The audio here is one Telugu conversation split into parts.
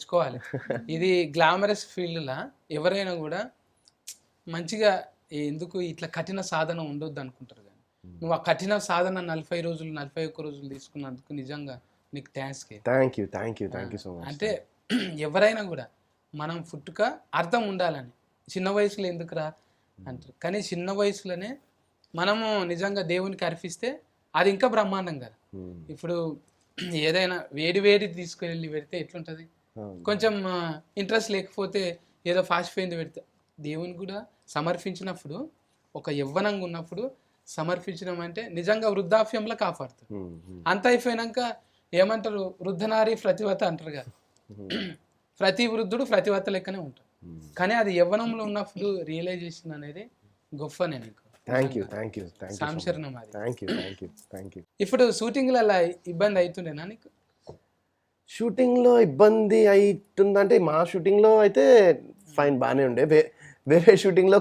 తెచ్చుకోవాలి. ఇది గ్లామరస్ ఫీల్డ్లా ఎవరైనా కూడా మంచిగా ఎందుకు ఇట్లా కఠిన సాధన ఉండొద్దు అనుకుంటారు. కానీ నువ్వు ఆ కఠిన సాధన 40 రోజులు 41 రోజులు తీసుకున్నందుకు నిజంగా నీకు థ్యాంక్ యూ సో మచ్. అంటే ఎవరైనా కూడా మనం పుట్టుక అర్థం ఉండాలని, చిన్న వయసులో ఎందుకురా అంటారు, కానీ చిన్న వయసులోనే మనము నిజంగా దేవునికి అర్పిస్తే అది ఇంకా బ్రహ్మాండం కదా. ఇప్పుడు ఏదైనా వేడి తీసుకువెళ్ళి పెడితే ఎట్లుంటుంది, కొంచెం ఇంట్రెస్ట్ లేకపోతే ఏదో ఫాస్ట్ ఫైంది పెడితే దేవుని కూడా సమర్పించినప్పుడు ఒక యవ్వనంగా ఉన్నప్పుడు సమర్పించడం అంటే నిజంగా వృద్ధాప్యంలో కాపాడుతుంది. అంత అయిపోయినాక ఏమంటారు, వృద్ధనారి ప్రతివత అంటారు కదా, ప్రతి వృద్ధుడు ప్రతివత లెక్కనే ఉంటాడు. కానీ అది యవ్వనంలో ఉన్నప్పుడు రియలైజేషన్ అనేది గొప్పనే నీకు. థ్యాంక్ యూ సంశరణం అది. Thank you. ఇప్పుడు షూటింగ్లో అలా ఇబ్బంది అవుతుండేనా నీకు? షూటింగ్లో ఇబ్బంది అవుతుందంటే మా షూటింగ్లో అయితే ఫైన్ బాగానే ఉండే. వేరే షూటింగ్లో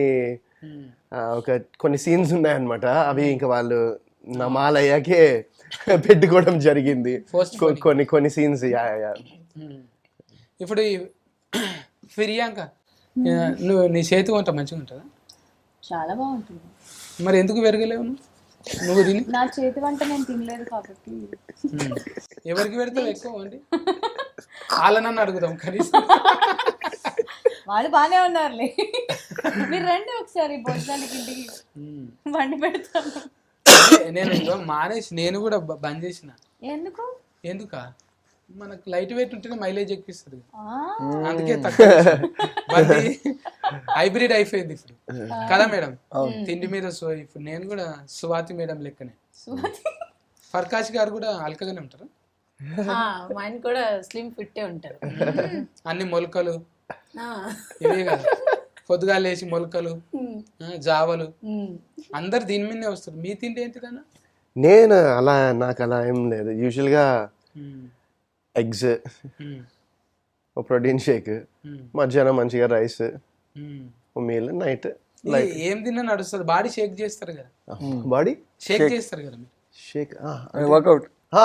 కొన్ని సీన్స్ ఉన్నాయన్నమాట. అవి ఇంకా వాళ్ళు నా మాలయ్యాకే పెట్టుకోవడం జరిగింది కొన్ని సీన్స్. ఇప్పుడు ఫిర్యాంక నువ్వు నీ చేతి వంట మంచిగా ఉంటుందా? చాలా బాగుంటుంది. మరి ఎందుకు పెరగలేవు నువ్వు తిని? నా చేతి వంట నేను తినలేదు కాబట్టి. ఎవరికి పెడతావు ఎక్కువ అండి? వాళ్ళనన్ను అడుగుదాం కనీసం. వాళ్ళు బాగానే ఉన్నారులే, మీరు రండి ఒకసారి భోజనానికి ఇంటికి వండి పెడతాను. నేను మానేసి నేను కూడా బంద్ చేసిన. ఎందుక మనకు లైట్ వెయిట్ ఉంటేనే మైలేజ్ ఎక్కిస్తుంది, అందుకే తక్కువ హైబ్రిడ్ అయిపోయింది ఇప్పుడు కదా మేడం. తిండి మీద ఇప్పుడు నేను కూడా స్వాతి మేడం లెక్కనే. ఫర్కాష్ గారు కూడా అల్కగానే ఉంటారు, ఆయన కూడా స్లిమ్ ఫిట్టే ఉంటారు. అన్ని మొలకలు ఇవే కదా, పొద్దుగా లేచి మొలకలు జావలు అందరు దీని మీదనే వస్తారు. మీ తిండి ఏంటిదన్నా? నేను నాకు అలా ఏం లేదు. యూజువల్గా ఎగ్స్, ప్రోటీన్ షేక్, మధ్యాహ్నం మంచిగా రైస్, మీల్, నైట్ ఏం తిన్నా నడుస్తుంది. బాడీ షేక్ చేస్తారు కదా, బాడీ షేక్ చేస్తారు కదా మీరు. షేక్ వర్కౌట్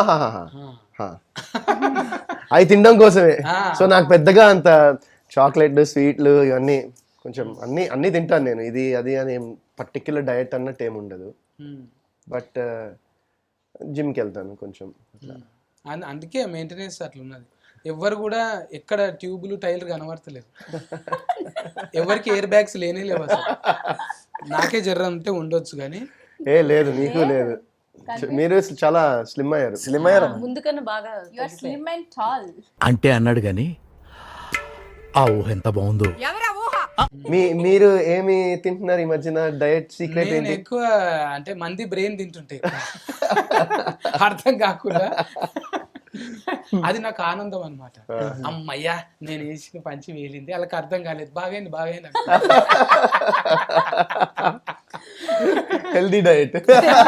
అవి తినడం కోసమే. సో నాకు పెద్దగా అంత చాక్లెట్ స్వీట్లు ఇవన్నీ కొంచెం అన్నీ తింటాను నేను. ఇది అది అని ఏం పర్టిక్యులర్ డయట్ అన్నట్టు ఏమి ఉండదు. బట్ జిమ్కి వెళ్తాను కొంచెం. అందుకే మెయింటెనెన్స్ అట్లా ఉన్నది. ఎవరు కూడా ఎక్కడ ట్యూబులు టైర్లు కనబడతలేదు, ఎవరికి ఎయిర్ బ్యాగ్స్ లేనే లేవు అసలు. నాకే జర్ర అంటే ఉండొచ్చు కానీ లేదు, నీకు లేదు. మీరు చాలా స్లిమ్ అయ్యారు. ముందుకన్నా బాగా స్లిమ్ అండ్ టాల్ అంటే అన్నాడు కానీ ఆ ఊహ ఎంత బాగుందో. మీరు ఏమి తింటున్నారు ఈ మధ్యన? డయట్ సీక్రెట్ ఏంటి? ఎక్కువ అంటే మంది బ్రెయిన్ తింటుంటే అర్థం కాకుండా అది నాకు ఆనందం అనమాట. అమ్మయ్యా నేను వేసిన పంచి వేలింది, వాళ్ళకి అర్థం కాలేదు, బాగైంది హెల్దీ డయట్.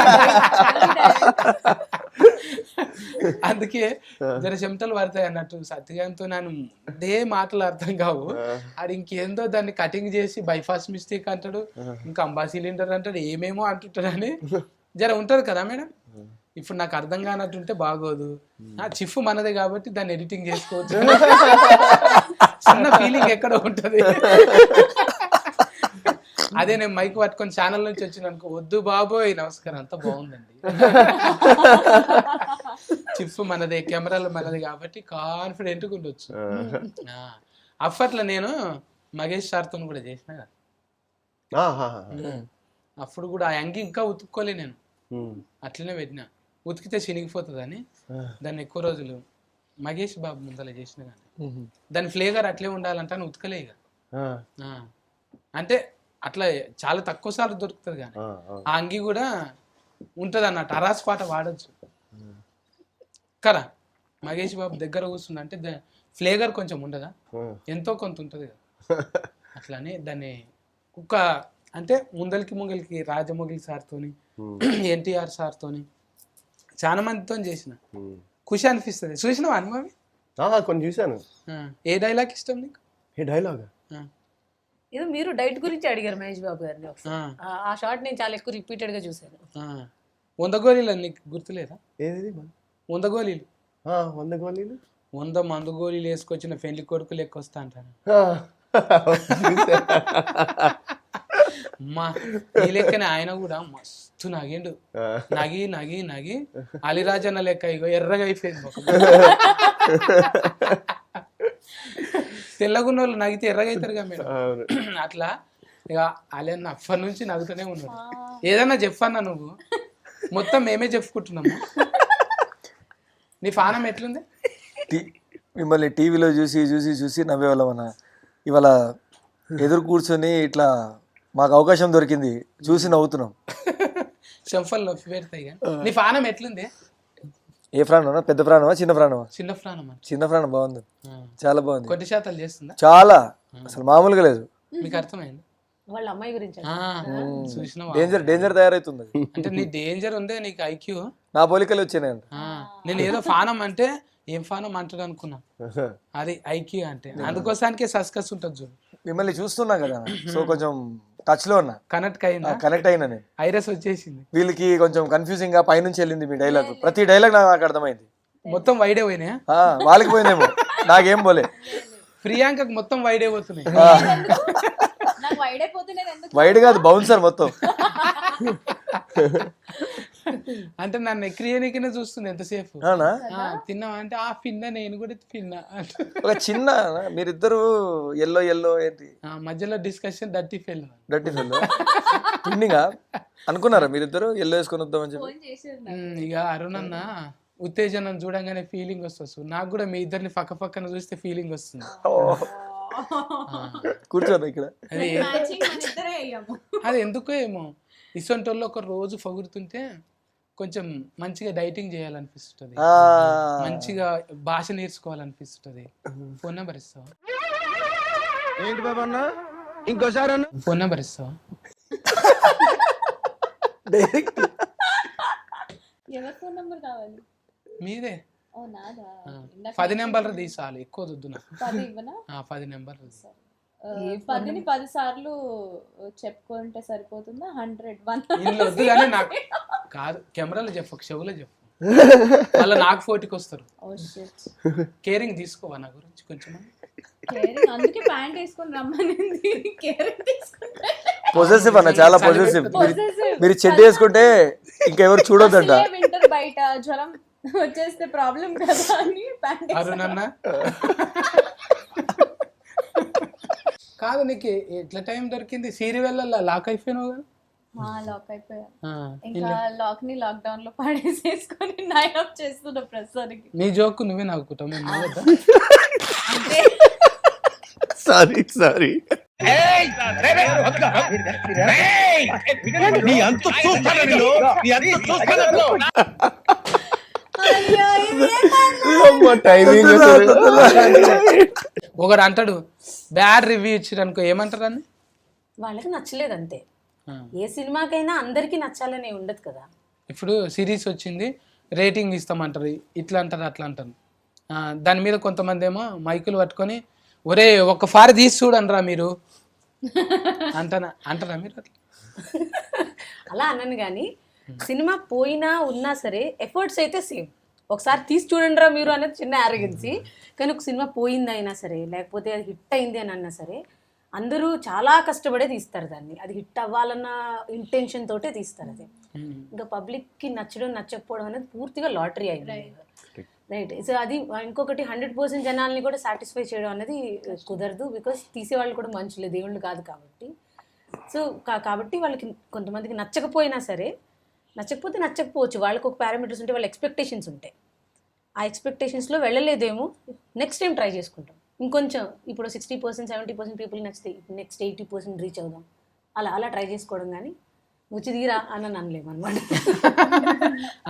అందుకే జర చెమటలు పడతాయి అన్నట్టు. సత్యగాంతో నేను అదే మాటలు అర్థం కావు. అది ఇంకేందో దాన్ని కటింగ్ చేసి బైపాస్ మిస్టేక్ అంటాడు, ఇంకా అంబా సిలిండర్ అంటాడు, ఏమేమో అంటుంటాడు అని జర ఉంటది కదా మేడం. ఇప్పుడు నాకు అర్థం కానట్టుంటే బాగోదు. చిఫ్ మనదే కాబట్టి దాన్ని ఎడిటింగ్ చేసుకోవచ్చు. చిన్న ఫీలింగ్ ఎక్కడ ఉంటది. అదే నేను మైక్ పట్టుకొని ఛానల్ నుంచి వచ్చిన అనుకో, వద్దు బాబోయ్ నమస్కారం అంతా బాగుందండి, చిఫ్ మనదే, కెమెరాలు మనది కాబట్టి కాన్ఫిడెంట్గా ఉండొచ్చు. అప్పట్లో నేను మహేష్ సార్తో కూడా చేసిన కదా, అప్పుడు కూడా ఆ యంగి ఇంకా ఉతుక్కోలే నేను, అట్లనే పెట్టినా. ఉతికితే చినిగిపోతుంది అని దాన్ని ఎక్కువ రోజులు మహేష్ బాబు ముందర చేసిన కానీ దాని ఫ్లేవర్ అట్లే ఉండాలంటే అని ఉతకలే ఇక. అంటే అట్లా చాలా తక్కువ సార్లు దొరుకుతుంది కానీ ఆ అంగి కూడా ఉంటుంది అన్నట్టు. అరాస్ పాట వాడచ్చు కదా. మహేష్ బాబు దగ్గర కూర్చుంది అంటే ఫ్లేవర్ కొంచెం ఉండదా, ఎంతో కొంత ఉంటుంది కదా. అట్లానే దాన్ని కుక్క అంటే ముంగలికి రాజమౌళి సార్తోని, ఎన్టీఆర్ సార్తోని చాలా మందితో చేసిన. ఖుషి అనిపిస్తుంది. చూసినావా అనుభవి? కొన్ని చూసాను. ఏ డైలాగ్ ఇష్టం నీకు? ఏ డైలాగ్? ఏదో మీరు డైట్ గురించి అడిగారు మహేష్ బాబు గారిని. ఆ షార్ట్ నేను చాలా ఎక్కువ రిపీటెడ్ గా చూసాను. 100 గోళీలు నీకు గుర్తులేదా? ఏది 100 గోళీలు? 100 గోళీలు 100 మందు గోళీలు వేసుకొచ్చిన పెళ్లి కొడుకు లెక్క వస్తా అంటారు. అమ్మా ఈ లెక్కనే ఆయన కూడా మస్తు నగిండు. నగి నగి నగి అలిరాజన్న లెక్క ఇగో ఎర్రగా అయిపోయింది ముఖం. తెల్లగున్న వాళ్ళు నగితే ఎర్రగా అవుతారుగా మేడం. అట్లా ఇక అలన్న అప్పటి నుంచి నవ్వుతూనే ఉన్నాడు. ఏదన్నా చెప్పన్నా నువ్వు, మొత్తం మేమే చెప్పుకుంటున్నాము. నీ పానం ఎట్లుంది? మిమ్మల్ని టీవీలో చూసి చూసి చూసి నవ్వేవాళ్ళం అన్న. ఇవాళ ఎదురు కూర్చొని ఇట్లా మాకు అవకాశం దొరికింది, చూసి నవ్వుతున్నాం. చెంఫల్ నొప్పి పెడతాయి కానీ నీ పానం ఎట్లుంది? ఏ ప్రాణమా? పెద్ద ప్రాణమా చిన్న ప్రాణమా? చిన్న ప్రాణం అంటే చిన్న ప్రాణం బాగుంది, చాలా బాగుంది. కొద్ది శాతాలు చేస్తుందా? చాలా, అసలు మామూలుగా లేదు. మీకు అర్థమైంది? వాళ్ళ అమ్మాయి గురించి చూసినావా? డేంజర్ తయారవుతుంది. అంటే నీ డేంజర్ ఉందే, నీకు ఐక్యూ. నా పోలికలు వచ్చినాయి. నేను ఏదో ఫానం అంటే ఏం ఫానం అంటాడు అనుకున్నా, అది ఐక్యూ అంటే. అందుకోసానికే సస్కస్ ఉంటుంది చూడు. మిమ్మల్ని చూస్తున్నాం కదా, సో కొంచెం టచ్ లో ఉన్నా, కనెక్ట్ అయిందా? కనెక్ట్ అయినా నేను. ఐరస్ వచ్చేసింది. వీళ్ళకి కొంచెం కన్ఫ్యూజింగ్ గా పైనుంచి వెళ్ళింది మీ డైలాగ్. ప్రతి డైలాగ్ నాకు అర్థమైంది. మొత్తం వైడే పోయినాయా? వాళ్ళకి పోయిందేమో, నాకేం పోలే. ప్రియాంకకు మొత్తం వైడే పోతున్నాయి. నాకు వైడ్ అయిపోతున్నది ఎందుకు? వైడ్ కాదు, బౌన్సర్ మొత్తం. అంటే నన్ను ఎక్రియనికినే చూస్తుంది ఎంతసేపు. అవునా? తిన్నావా అంటే ఆ పిన్న, నేను కూడా తిన్నా. ఒక చిన్న, మీరిద్దరు ఎల్లో ఎల్లో ఏంటి మధ్యలో discussion dirty fell. Dirty fell పిండింగా అనుకున్నారా మీరిద్దరు ఎల్లో వేసుకొని వద్దామని చెప్పి? ఫోన్ చేసేది ఇక అరుణ్ అన్న ఉత్తేజనం చూడంగానే ఫీలింగ్ వస్తుంది. నాకు కూడా మీ ఇద్దరిని పక్క పక్కన చూస్తే ఫీలింగ్ వస్తుంది. కూర్చోను ఇక్కడ. అది మ్యాచింగ్ మన ఇద్దరే అయ్యాము. అది ఎందుకో ఏమో, ఇసొంటి వాళ్ళు ఒక రోజు పొగుడుతుంటే కొంచెం మంచిగా డైటింగ్ చేయాలనిపిస్తుంది, మంచిగా భాష నేర్చుకోవాలనిపిస్తుంది. ఫోన్ నెంబర్ ఇస్తావా? ఏంటి బాబా అన్న ఇంకోసారి అన్న ఫోన్ నెంబర్ ఇస్తావా? డైరెక్ట్ ఎవరి ఫోన్ నంబర్ కావాలి? మీదే. ఓ నాదా? 10 నెంబర్లు తీసాలి, ఎక్కువ వద్దు నాకు. 10 ఇవ్వనా? 10 నెంబర్లు. 10ని 10 సార్లు చెప్పుకుంటే సరిపోతుందా? 100 100 ఇంట్లో వద్దు కానీ నాకు కాదు, కెమెరాలో చెప్పు, చెవులో చెప్పు, మళ్ళీ నాకు ఫోటోకి వస్తారు. Oh shit. కేరింగ్ తీసుకోవా నా గురించి కొంచెం? కేరింగ్, అందుకే ప్యాంట్ వేసుకొని రమ్మనింది. కేరింగ్ తీసుకుంటే పొజెసివ్ అన్న, చాలా పొజెసివ్. మీరు చెడ్డ వేసుకుంటే ఇంకెవరు చూడొద్దంట. వింటర్ బయట జ్వరం వచ్చేస్తే ప్రాబ్లం కదా అని ప్యాంట్ అరుణ్ అన్న కాదు, నీకు ఎట్లా టైం దొరికింది? సీరియల్ లాక్ అయిపోయినావు కదా? లాక్ అయిపోయా. ఇంకా లాక్ ని లాక్డౌన్ లో పడేసేసుకొని నైన్ ఆఫ్ చేస్తున్నా ప్రస్తుతానికి. నీ జోక్ నువ్వే నవ్వుకుంటావు, మేము నవ్వద్దా? సారీ ఒకడు అంటాడు బ్యాడ్ రివ్యూ ఇచ్చారు అనుకో, ఏమంటారు అని? వాళ్ళకి నచ్చలేదు అంతే. ఏ సినిమాకైనా అందరికీ నచ్చాలనే ఉండదు కదా. ఇప్పుడు సిరీస్ వచ్చింది రేటింగ్ ఇస్తామంటారు, ఇట్లా అంటారు అట్లా అంటారు. దాని మీద కొంతమంది ఏమో మైకులు పట్టుకొని ఒరే ఒక్కసారి తీసి చూడండిరా మీరు అంటారా మీరు? అలా అన్నాను కానీ సినిమా పోయినా ఉన్నా సరే ఎఫర్ట్స్ అయితే సేమ్. ఒకసారి తీసి చూడండి రా మీరు అనేది చిన్న ఆరోగెన్సీ. కానీ ఒక సినిమా పోయింది అయినా సరే, లేకపోతే అది హిట్ అయింది అని అన్నా సరే, అందరూ చాలా కష్టపడే తీస్తారు దాన్ని. అది హిట్ అవ్వాలన్న ఇంటెన్షన్ తోటే తీస్తారు. అది ఇంకా పబ్లిక్కి నచ్చడం నచ్చకపోవడం అనేది పూర్తిగా లాటరీ అయింది. రైట్. సో అది ఇంకొకటి 100% జనాల్ని కూడా సాటిస్ఫై చేయడం అనేది కుదరదు. బికాస్ తీసేవాళ్ళు కూడా మనుషులే, దేవుళ్ళు కాదు కాబట్టి. సో కాబట్టి వాళ్ళకి కొంతమందికి నచ్చకపోయినా సరే, నచ్చకపోతే నచ్చకపోవచ్చు, వాళ్ళకి ఒక పారామీటర్స్ ఉంటే, వాళ్ళ ఎక్స్పెక్టేషన్స్ ఉంటాయి. ఆ ఎక్స్పెక్టేషన్స్లో వెళ్ళలేదేమో, నెక్స్ట్ టైం ట్రై చేసుకుంటాం ఇంకొంచెం. ఇప్పుడు 60% 70% పీపుల్ నచ్చితే నెక్స్ట్ 80% రీచ్ అవుదాం, అలా ట్రై చేసుకోవడం. కానీ వచ్చి తీరా అని అనలేము అనమాట.